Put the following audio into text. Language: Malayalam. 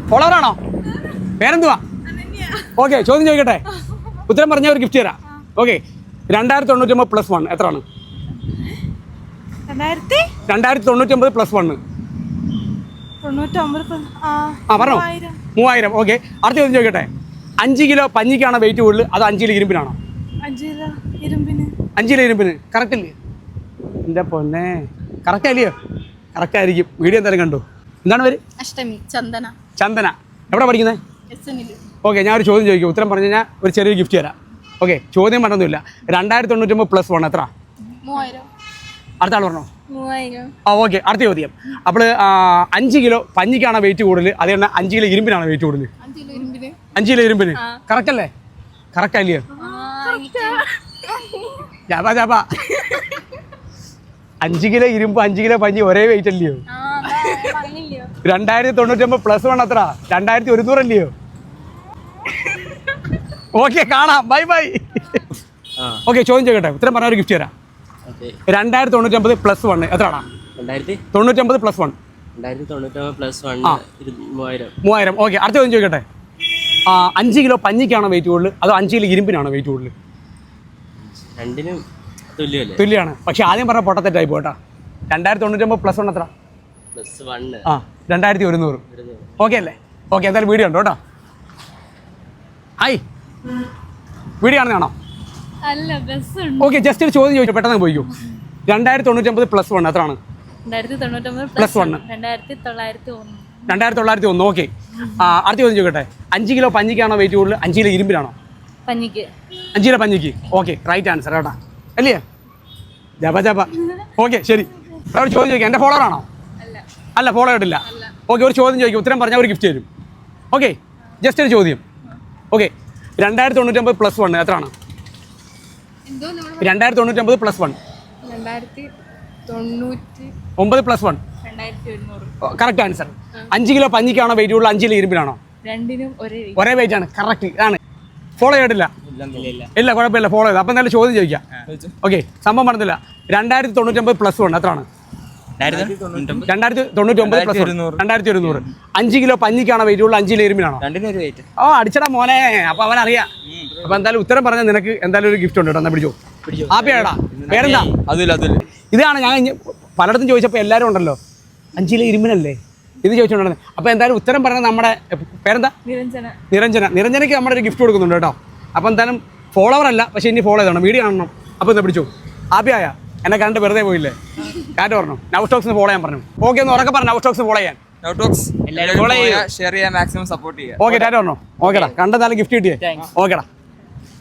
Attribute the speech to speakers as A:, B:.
A: ഫോളോവറാണോ? പേരെന്തുവാ? ഓക്കെ, ചോദ്യം ചോദിക്കട്ടെ? ഉത്തരം പറഞ്ഞാൽ ഒരു ഗിഫ്റ്റ് തരാം. ഓക്കെ, 2099 പ്ലസ് 1 എത്രയാണ്? 2099 പ്ലസ് 1. പറഞ്ഞോ, 3000. ഓക്കെ, അടുത്ത ചോദ്യം ചോദിക്കട്ടെ? 5 കിലോ പഞ്ഞിക്കാണോ വെയിറ്റ് കൂടുതൽ, അതോ 5 കിലോ ഇരുമ്പിനാണോ? 5 കിലോ ഇരുമ്പിന്. കറക്റ്റ് അല്ലേ? എൻ്റെ പൊന്നെ, കറക്റ്റ് അല്ലയോ? കറക്റ്റ് ആയിരിക്കും. വീഡിയോ എന്തായാലും കണ്ടു. എന്താണ് പേര്?
B: അഷ്ടമി. ചന്ദന.
A: ചന്ദന. എവിടെ പഠിക്കുന്നത്? ഓക്കെ, ഞാനൊരു ചോദ്യം ചോദിക്കും. ഉത്തരം പറഞ്ഞു കഴിഞ്ഞാൽ ഒരു ചെറിയൊരു ഗിഫ്റ്റ് തരാം. ഓക്കെ, ചോദ്യം പറഞ്ഞൊന്നുമില്ല. 2099 പ്ലസ് 1 എത്ര?
B: 3000.
A: അടുത്ത ആൾ പറഞ്ഞോ?
B: 3000.
A: ഓക്കെ, അടുത്ത ചോദ്യം. അപ്പോൾ 5 കിലോ പഞ്ഞിക്കാണോ വെയിറ്റ് കൂടുതൽ, അതേ 5 കിലോ ഇരുമ്പിനാണോ വെയിറ്റ് കൂടുതൽ? 5 കിലോ ഇരുമ്പിന്. കറക്റ്റ് അല്ലേ? കറക്റ്റ് അല്ലയോ? ജാബാ ജാബാ. 5 കിലോ ഇരുമ്പ് 5 കിലോ പഞ്ഞി ഒരേ വെയിറ്റ് അല്ലയോ? 2099 പ്ലസ് 1 എത്ര? 2100 അല്ലയോ? ഓക്കെ, കാണാം. Bye bye. ഓക്കെ, ചോദ്യം ചോദിക്കട്ടെ? ഉത്തരം പറഞ്ഞ ഒരു ഗിഫ്റ്റ് തരാം. 2099 പ്ലസ് 1 എത്രയാണ്? 2099 പ്ലസ് 1.
C: 2099 പ്ലസ് 1 3000.
A: ഓക്കെ, അടുത്ത ചോദ്യം ചോദിക്കട്ടെ? 5 കിലോ പഞ്ഞിക്കാണോ വെയിറ്റ് കൂടുതൽ, അതോ 5 കിലോ ഇരുമ്പിനാണോ വെയിറ്റ് കൂടുതൽ?
C: രണ്ടിനും
A: തുല്യമാണ്. പക്ഷെ ആദ്യം പറഞ്ഞ പൊട്ടത്തെറ്റായി പോട്ടാ. 2099 പ്ലസ് 1 എത്ര?
C: പ്ലസ് 1
A: 2100. ഓക്കെ അല്ലേ? ഓക്കെ, എന്തായാലും വീഡിയോ ഉണ്ടോ കേട്ടോ? ഹായ്, വീഡിയോ ആണെന്ന് കാണാം. ഓക്കെ, ജസ്റ്റ് ഒരു ചോദ്യം ചോദിച്ചു, പെട്ടെന്ന് പോയിക്കോ. 2099 പ്ലസ് 1 എത്രയാണ്?
B: 2099
A: പ്ലസ് 1 2901. ഓക്കെ, അടുത്ത ചോദ്യം ചോദിക്കട്ടെ? 5 കിലോ പഞ്ഞിക്കാണോ വെയിറ്റ് കൂടുതൽ, 5 കിലോ ഇരുമ്പിനാണോ?
B: 5
A: കിലോ പഞ്ഞിക്ക്. ഓക്കെ, റൈറ്റ് ആൻസർ കേട്ടാ. അല്ലേ? ജപ ജപ. ഓക്കെ, ശരി. ഒരു ചോദ്യം ചോദിക്കാം. എൻ്റെ ഫോളോവറാണോ? അല്ല, ഫോളോ ആയിട്ടില്ല. ഓക്കെ, ഒരു ചോദ്യം ചോദിക്കും. ഉത്തരം പറഞ്ഞാൽ ഒരു ഗിഫ്റ്റ് തരും. ഓക്കെ, ജസ്റ്റ് ഒരു ചോദ്യം. ഓക്കെ, 2099 പ്ലസ് 1 എത്രയാണ്? 2099 plus 1. 9 plus 1. Correct answer. 5 kilo പഞ്ഞിക്കാണോ വെയിറ്റ് കൂടുതൽ, 5 കിലോ ഇരുമ്പിനാണോ?
B: രണ്ടിനും
A: ഒരേ വെയിറ്റ് ആണ്. കറക്റ്റ് ആണ്. ഫോളോ ചെയ്തിട്ടില്ല? ഇല്ല, കുഴപ്പമില്ല, ഫോളോ ചെയ്ത്. അപ്പം എന്തായാലും ചോദ്യം ചോദിക്കാം. ഓക്കെ, സംഭവം പറഞ്ഞില്ല. 2099 പ്ലസ് 1 എത്രയാണ്? 2099 പ്ലസ് 2100. 5 കിലോ പഞ്ഞിക്കാണോ വെയിറ്റ് കൂടുതൽ, 5 കിലോ ഇരുമ്പിനാണോ? ഓ, അടിച്ചടാ മോനെ. അപ്പൊ അവനറിയാം. അപ്പൊ എന്തായാലും ഉത്തരം പറഞ്ഞാൽ നിനക്ക് എന്തായാലും ഒരു ഗിഫ്റ്റ് ഉണ്ട് കേട്ടോ. എന്നാ പിടിച്ചോ. ആപ്പിയാടാ. പേരെന്താ? ഇതാണ് ഞാൻ പലയിടത്തും ചോദിച്ചപ്പോൾ എല്ലാവരും ഉണ്ടല്ലോ 5 കിലോ ഇരുമ്പിനല്ലേ ഇത് ചോദിച്ചോണ്ടിരുന്നത്. അപ്പോൾ എന്തായാലും ഉത്തരം പറഞ്ഞാൽ നമ്മുടെ പേരെന്താ? നിരഞ്ജനയ്ക്ക് നമ്മുടെ ഒരു ഗിഫ്റ്റ് കൊടുക്കുന്നുണ്ട് കേട്ടോ. അപ്പോൾ എന്തായാലും ഫോളോവർ അല്ല, പക്ഷേ ഇനി ഫോളോ ചെയ്തോണം, വീഡിയോ കാണണം. അപ്പോൾ എന്താ പിടിച്ചു? ആപ്പിയായ എന്നെ കണ്ട് വെറുതെ പോയില്ലേ? കാറ്റ് പറഞ്ഞു. നൗ സ്റ്റോക്സിന് ഫോളോ ചെയ്യാൻ പറഞ്ഞു. ഓക്കെ, ഒന്ന് ഉറക്കെ പറഞ്ഞു. നൗ സ്റ്റോക്സ് ഫോളോ ചെയ്യാൻ.
D: ഷെയർ ചെയ്യാൻ, മാക്സിമം സപ്പോർട്ട് ചെയ്യാം.
A: ഓക്കെ, ടാറ്റ പറഞ്ഞു. ഓക്കെടാ, കണ്ടെന്നാലും ഗിഫ്റ്റ് കിട്ടിയേ. ഓക്കെടാ.